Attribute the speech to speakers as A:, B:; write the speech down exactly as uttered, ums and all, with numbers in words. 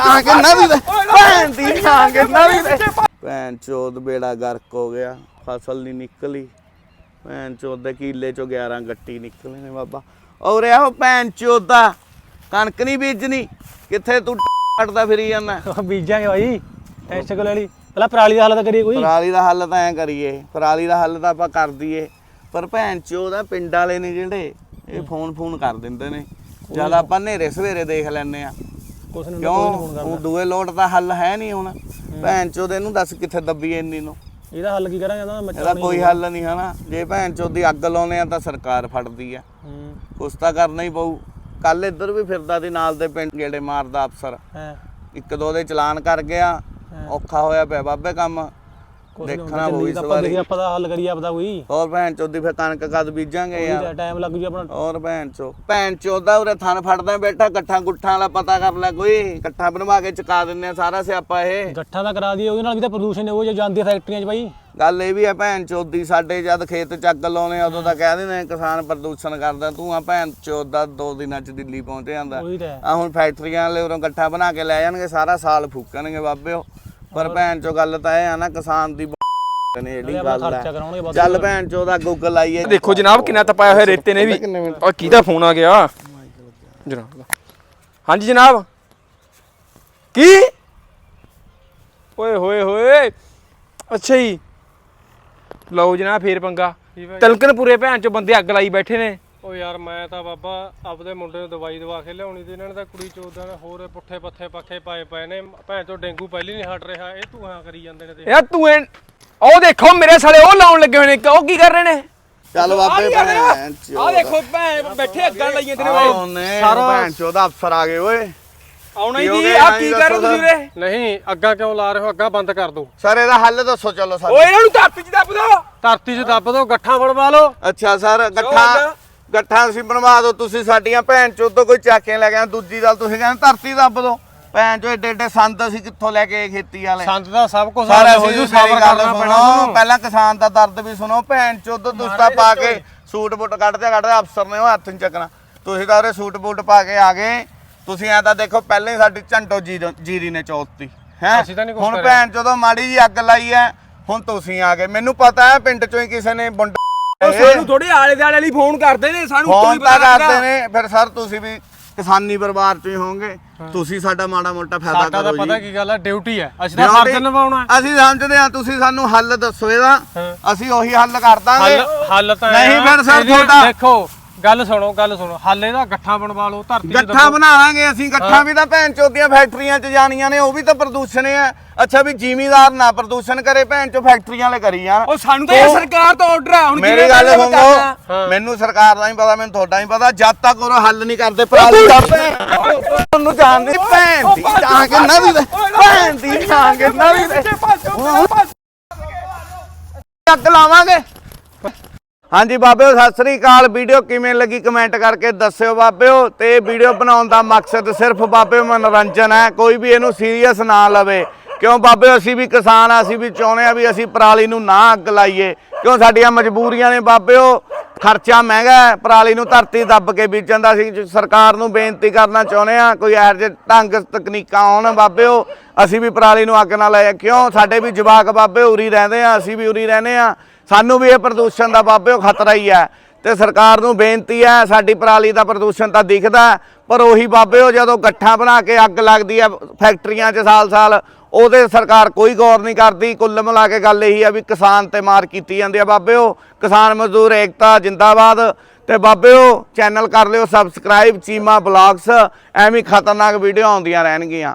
A: टांग नवी दे भैन दी टांग नवी दे भैन चोद बेड़ा गर्क हो गया फसल नहीं निकली भैन चोद दे किले चो ग्यारह गट्टी निकले ने बाबा और यार भैन चोद दा कणक नहीं बीजनी किथे तू कटदा फिरी जाना
B: बीजांगे भाई टेंशन को ले ली पहला पराली दा हल तां करिए कोई
A: पराली दा हल तां ऐ करिए पराली दा हल तां आपां कर दईए पर भैन चोद आ पिंड वाले ने जिहड़े ਇਹ ਫੋਨ ਫੋਨ ਕਰ ਦਿੰਦੇ ਨੇ ਜਦ ਆਪਾਂ ਹਨੇਰੇ ਸਵੇਰੇ ਦੇਖ ਲੈਂਦੇ ਆ
B: ਕੁਛ ਨਹੀਂ
A: ਕਿਉਂ ਦੂਏ ਲੋਟ ਦਾ ਹੱਲ ਹੈ ਨਹੀਂ ਹੁਣ ਭੈਣ ਚੋਦ ਇਹਨੂੰ ਦੱਸ ਕਿੱਥੇ ਦੱਬੀ ਇੰਨੀ ਨੂੰ
B: ਇਹਦਾ ਹੱਲ ਕੀ ਕਰਾਂਗੇ ਇਹਦਾ ਮੱਛਰ
A: ਇਹਦਾ ਕੋਈ ਹੱਲ ਨਹੀਂ ਹਨਾ ਜੇ ਭੈਣ ਚੋਦ ਦੀ ਅੱਗ ਲਾਉਨੇ ਆ ਤਾਂ ਸਰਕਾਰ ਫੜਦੀ ਆ ਕੁਛ ਤਾਂ ਕਰਨਾ ਹੀ ਪਊ ਕੱਲ ਇੱਧਰ ਵੀ ਫਿਰਦਾ ਸੀ ਨਾਲ ਦੇ ਪਿੰਡ ਗੇੜੇ ਮਾਰਦਾ ਅਫਸਰ ਇੱਕ ਦੋ ਦੇ ਚਲਾਨ ਕਰ ਗਿਆ ਔਖਾ ਹੋਇਆ ਪਿਆ ਬਾਬੇ ਕੰਮ ਦੇਖਣਾ ਹੋਈ ਇਸ ਵਾਰੀ
B: ਆਪਾਂ ਦਾ ਹੱਲ ਕਰੀਏ ਆਪਦਾ ਕੋਈ
A: ਹੋਰ ਭੈਣ ਚੋਦੀ ਫਿਰ ਕਣਕ ਕਦ ਬੀਜਾਂਗੇ ਯਾਰ
B: ਟਾਈਮ ਲੱਗ ਜੂ ਆਪਣਾ
A: ਹੋਰ ਭੈਣ ਚੋ ਭੈਣ ਚੋਦਾ ਉਰੇ ਥਣ ਫੜਦਾ ਬੈਠਾ ਗੱਠਾਂ ਗੁੱਠਾਂ ਵਾਲਾ ਪਤਾ ਕਰ ਲੈ ਕੋਈ ਗੱਠਾਂ ਬਣਵਾ ਕੇ ਚੁਕਾ ਦਿੰਨੇ ਆ ਸਾਰਾ ਸਿਆਪਾ ਇਹ
B: ਗੱਠਾਂ ਦਾ ਕਰਾ ਦਈਏ ਉਹਦੇ ਨਾਲ ਵੀ ਤਾਂ ਪ੍ਰਦੂਸ਼ਣ ਉਹ ਜੋ ਜਾਂਦੀ ਫੈਕਟਰੀਆਂ 'ਚ ਬਾਈ
A: ਗੱਲ ਇਹ ਵੀ ਆ ਭੈਣ ਚੋਦੀ ਸਾਡੇ ਜਦ ਖੇਤ ਚ ਅੱਗ ਲਾਉਨੇ ਆ ਉਦੋਂ ਤਾਂ ਕਹਿ ਦਿੰਦੇ ਕਿਸਾਨ ਪ੍ਰਦੂਸ਼ਣ ਕਰਦਾ ਤੂੰ ਆ ਭੈਣ ਚੋਦਾ ਦੋ ਦਿਨਾਂ ਚ ਦਿੱਲੀ ਪਹੁੰਚ ਜਾਂਦਾ ਆ ਹੁਣ ਫੈਕਟਰੀਆਂ ਵਾਲੇ ਉਰੋਂ ਗੱਠਾਂ ਬਣਾ ਕੇ ਲੈ ਜਾਣਗੇ ਸਾਰਾ ਸਾਲ ਫੂਕਣਗੇ ਬਾਬਿਓ ਪਰ ਭੈਣ ਚੋ ਗੱਲ ਤਾਂ ਇਹ ਆ ਨਾ ਕਿਸਾਨ ਦੀ ਚੱਲ ਭੈਣ ਚੋਦਾ ਗੂਗਲ ਆਈਏ
C: ਦੇਖੋ ਜਨਾਬ ਕਿੰਨਾ ਤਪਾਇਆ ਹੋਇਆ ਰੇਤੇ ਨੇ ਵੀ ਔਰ ਕਿਹਦਾ ਫੋਨ ਆ ਗਿਆ ਜਨਾਬ ਦਾ ਹਾਂਜੀ ਜਨਾਬ ਕੀ ਓਏ ਹੋਏ ਹੋਏ ਅੱਛਾ ਜੀ ਲਓ ਜਨਾਬ ਫੇਰ ਪੰਗਾ ਤਲਕਨ ਪੂਰੇ ਭੈਣ ਚੋ ਬੰਦੇ ਅੱਗ ਲਾਈ ਬੈਠੇ ਨੇ
D: ਓ ਯਾਰ ਮੈਂ ਤਾਂ ਬਾਬਾ ਆਪਦੇ ਮੁੰਡੇ ਨੂੰ ਦਵਾਈ ਦਵਾ ਕੇ ਲਿਆਉਣੀ ਤੇ ਇਹਨਾਂ ਨੇ ਤਾਂ ਕੁੜੀ ਚੋਦਾਂ ਨੇ ਹੋਰ ਪੁੱਠੇ ਪੱਥੇ ਪੱਖੇ ਪਾਏ ਪਏ ਨੇ ਭੈਣ ਚੋ ਡੇਂਗੂ ਪਹਿਲੀ ਨਹੀਂ ਹਟ ਰਿਹਾ ਇਹ ਧੂਆਂ ਕਰੀ ਜਾਂਦੇ ਨੇ ਤੇ
C: ਯਾਰ ਤੂੰ ਉਹ ਦੇਖੋ ਮੇਰੇ ਸਾਲੇ ਉਹ ਲਾਉਣ ਲੱਗੇ ਹੋਏ ਨੇ ਉਹ ਕੀ ਕਰ ਰਹੇ ਨੇ
A: ਚੱਲ ਬਾਬੇ ਭੈਣ ਚੋ
C: ਆ ਦੇਖੋ ਭੈਣ ਬੈਠੇ ਅੱਗਾਂ ਲਾਈ ਜਾਂਦੇ
A: ਨੇ ਸਾਰਾ ਭੈਣ ਚੋਦਾ ਅਫਸਰ ਆ ਗਏ ਓਏ
C: ਆਉਣਾ ਹੀ ਨਹੀਂ ਆ ਕੀ ਕਰ ਰਹੇ ਤੁਸੀਂ ਵੀਰੇ
D: ਨਹੀਂ ਅੱਗਾ ਕਿਉਂ ਲਾ ਰਹੇ ਹੋ ਅੱਗਾ ਬੰਦ ਕਰ ਦੋ
A: ਸਰ ਇਹਦਾ ਹੱਲ ਦੱਸੋ ਚਲੋ ਸਰ
C: ਓਏ ਇਹਨਾਂ ਨੂੰ ਧਰਤੀ 'ਚ ਦੱਬ ਦੋ
D: ਧਰਤੀ 'ਚ ਦੱਬ ਦੋ ਗੱਠਾਂ ਬਣਵਾ ਲਓ
A: ਅੱਛਾ ਸਰ ਗੱਠਾਂ ਗੱਠਾਂ ਤੁਸੀਂ ਬਣਵਾ ਦਿਓ ਤੁਸੀਂ ਸਾਡੀਆਂ ਭੈਣ ਚੋਦ ਤੋਂ ਕੋਈ ਚੱਕ ਕੇ ਲੈ ਗਿਆ ਦੂਜੀ ਗੱਲ ਤੁਸੀਂ ਕਹਿੰਦੇ ਧਰਤੀ ਦੱਬ ਦੋ ਭੈਣ ਚੋ ਏਡੇ ਏਡੇ ਸੰਦ ਅਸੀਂ ਕਿੱਥੋਂ ਲੈ ਕੇ ਖੇਤੀ ਵਾਲੇ
D: ਸੰਦ ਦਾ ਸਭ ਕੁਝ
A: ਸਾਰਾ ਹੋ ਜੂ ਸਬਰ ਕਰਨਾ ਪੈਣਾ ਪਹਿਲਾਂ ਕਿਸਾਨ ਦਾ ਦਰਦ ਵੀ ਸੁਣੋ ਭੈਣ ਚੋਦ ਦੁਸਤਾ ਪਾ ਕੇ ਸੂਟ ਬੂਟ ਕੱਢਦੇ ਕੱਢਦੇ ਅਫਸਰ ਨੇ ਉਹ ਹੱਥ ਨਹੀਂ ਚੱਕਣਾ ਤੁਸੀਂ ਤਾਂ ਉਹਦੇ ਸੂਟ ਬੂਟ ਪਾ ਕੇ ਆ ਗਏ ਤੁਸੀਂ ਐ ਤਾਂ ਦੇਖੋ ਪਹਿਲਾਂ ਹੀ ਸਾਡੀ ਝੰਟੋ ਜੀਰੀ ਨੇ ਚੌਥੀ ਹੈ ਹੁਣ ਭੈਣ ਚੋਦੋਂ ਮਾੜੀ ਜੀ ਅੱਗ ਲਾਈ ਐ ਹੁਣ ਤੁਸੀਂ ਆ ਗਏ ਮੈਨੂੰ ਪਤਾ ਹੈ ਪਿੰਡ ਚੋਂ ਹੀ ਕਿਸੇ ਨੇ ਬੁੰਡ
C: ਸਾਨੂੰ ਥੋੜੇ ਆਲੇ ਦੁਆਲੇ ਲਈ ਫੋਨ ਕਰਦੇ ਨੇ ਸਾਨੂੰ
A: ਫੋਨ ਤਾਂ ਕਰਦੇ ਨੇ ਫਿਰ ਸਰ ਤੁਸੀਂ ਵੀ ਕਿਸਾਨੀ ਪਰਿਵਾਰ ਚੋਂ ਹੀ ਹੋਵੋਗੇ ਤੁਸੀਂ ਸਾਡਾ ਮਾੜਾ ਮੋਟਾ ਫਾਇਦਾ ਕਰੋ ਜੀ
D: ਪਤਾ ਕੀ ਗੱਲ ਹੈ ਡਿਊਟੀ ਹੈ ਅਸੀਂ ਤਾਂ ਫਰਜ਼ ਨਿਭਾਉਣਾ
A: ਅਸੀਂ ਸਮਝਦੇ ਹਾਂ ਤੁਸੀਂ ਸਾਨੂੰ ਹੱਲ ਦੱਸੋ ਇਹਦਾ ਅਸੀਂ ਉਹੀ ਹੱਲ ਕਰ ਦਾਂਗੇ
D: ਹੱਲ ਤਾਂ
A: ਨਹੀਂ ਫਿਰ ਸਰ ਤੁਹਾਡਾ
D: ਦੇਖੋ ਗੱਲ ਸੁਣੋ ਗੱਲ ਸੁਣੋ ਹੱਲ ਇਹਦਾ ਗੱਠਾਂ ਬਣਵਾ ਲਓ ਧਰਤੀ
A: ਗੱਠਾਂ ਬਣਾਵਾਂਗੇ ਅਸੀਂ ਗੱਠਾਂ ਵੀ ਤਾਂ ਭੈਣ ਚੋਦੀਆਂ ਫੈਕਟਰੀਆਂ 'ਚ ਜਾਣੀਆਂ ਨੇ ਉਹ ਵੀ ਤਾਂ ਪ੍ਰਦੂਸ਼ਣ ਹੈ ਅੱਛਾ ਵੀ ਜ਼ਿਮੀਦਾਰ ਨਾ ਪ੍ਰਦੂਸ਼ਣ ਕਰੇ ਭੈਣ ਚੋ ਫੈਕਟਰੀਆਂ ਵਾਲੇ ਕਰੀ ਜਾਣ
C: ਉਹ ਸਾਨੂੰ ਤਾਂ ਇਹ ਸਰਕਾਰ ਤੋਂ ਆਰਡਰ ਆ ਹੁਣ
A: ਮੇਰੀ ਗੱਲ ਸੁਣੋ ਮੈਨੂੰ ਸਰਕਾਰ ਦਾ ਹੀ ਪਤਾ ਮੈਨੂੰ ਤੁਹਾਡਾ ਹੀ ਪਤਾ ਜਦ ਤੱਕ ਉਹ ਹੱਲ ਨਹੀਂ ਕਰਦੇ ਪਰਾਲੀ ਦਾ ਤੁਹਾਨੂੰ ਜਾਣਦੀ ਭੈਣ ਦੀ ਟਾਂਗ ਨਵੀਂ ਦੇ ਭੈਣ ਦੀ ਟਾਂਗ ਨਵੀਂ ਦੇ ਅੱਗ ਲਾਵਾਂਗੇ ਹਾਂਜੀ ਬਾਬਿਓ ਸਤਿ ਸ੍ਰੀ ਅਕਾਲ ਵੀਡੀਓ ਕਿਵੇਂ ਲੱਗੀ ਕਮੈਂਟ ਕਰਕੇ ਦੱਸਿਓ ਬਾਬਿਓ ਤੇ ਵੀਡੀਓ ਬਣਾਉਣ ਦਾ ਮਕਸਦ ਸਿਰਫ ਬਾਬਿਓ ਮਨੋਰੰਜਨ ਹੈ ਕੋਈ ਵੀ ਇਹਨੂੰ ਸੀਰੀਅਸ ਨਾ ਲਵੇ ਕਿਉਂ ਬਾਬਿਓ ਅਸੀਂ ਵੀ ਕਿਸਾਨ ਆ ਅਸੀਂ ਵੀ ਚਾਹੁੰਦੇ ਆ ਵੀ ਅਸੀਂ ਪਰਾਲੀ ਨੂੰ ਨਾ ਅੱਗ ਲਾਈਏ ਕਿਉਂ ਸਾਡੀਆਂ ਮਜਬੂਰੀਆਂ ਨੇ ਬਾਬਿਓ ਖਰਚਾ ਮਹਿੰਗਾ ਹੈ ਪਰਾਲੀ ਨੂੰ ਧਰਤੀ ਦੱਬ ਕੇ ਬੀਜਣ ਦਾ ਅਸੀਂ ਸਰਕਾਰ ਨੂੰ ਬੇਨਤੀ ਕਰਨਾ ਚਾਹੁੰਦੇ ਆ ਕੋਈ ਇਹੋ ਜਿਹੇ ਢੰਗ ਤਕਨੀਕਾਂ ਆਉਣ ਬਾਬਿਓ ਅਸੀਂ ਵੀ ਪਰਾਲੀ ਨੂੰ ਅੱਗ ਨਾ ਲਾਈਏ ਕਿਉਂ ਸਾਡੇ ਵੀ ਜਵਾਕ ਬਾਬੇ ਉਰੀ ਰਹਿੰਦੇ ਆ ਅਸੀਂ ਵੀ ਉਰੀ ਰਹਿੰਦੇ ਆ ਸਾਨੂੰ ਵੀ ਇਹ ਪ੍ਰਦੂਸ਼ਣ ਦਾ ਬਾਬਿਓ ਖਤਰਾ ਹੀ ਹੈ ਤੇ ਸਰਕਾਰ ਨੂੰ ਬੇਨਤੀ ਹੈ ਸਾਡੀ ਪਰਾਲੀ ਦਾ ਪ੍ਰਦੂਸ਼ਣ ਤਾਂ ਦਿਖਦਾ ਪਰ ਉਹੀ ਬਾਬਿਓ ਜਦੋਂ ਗੱਠਾਂ ਬਣਾ ਕੇ ਅੱਗ ਲੱਗਦੀ ਹੈ ਫੈਕਟਰੀਆਂ 'ਚ ਸਾਲ ਸਾਲ ਉਹਦੇ ਸਰਕਾਰ ਕੋਈ ਗੌਰ ਨਹੀਂ ਕਰਦੀ ਕੁੱਲ ਮਿਲਾ ਕੇ ਗੱਲ ਇਹੀ ਆ ਵੀ ਕਿਸਾਨ ਤੇ ਮਾਰ ਕੀਤੀ ਜਾਂਦੀ ਆ ਬਾਬਿਓ ਕਿਸਾਨ ਮਜ਼ਦੂਰ ਏਕਤਾ ਜਿੰਦਾਬਾਦ ਤੇ ਬਾਬਿਓ ਚੈਨਲ ਕਰ ਲਿਓ ਸਬਸਕ੍ਰਾਈਬ ਚੀਮਾ ਬਲੌਗਸ ਐਵੇਂ ਖਤਰਨਾਕ ਵੀਡੀਓ ਆਉਂਦੀਆਂ ਰਹਿਣਗੀਆਂ।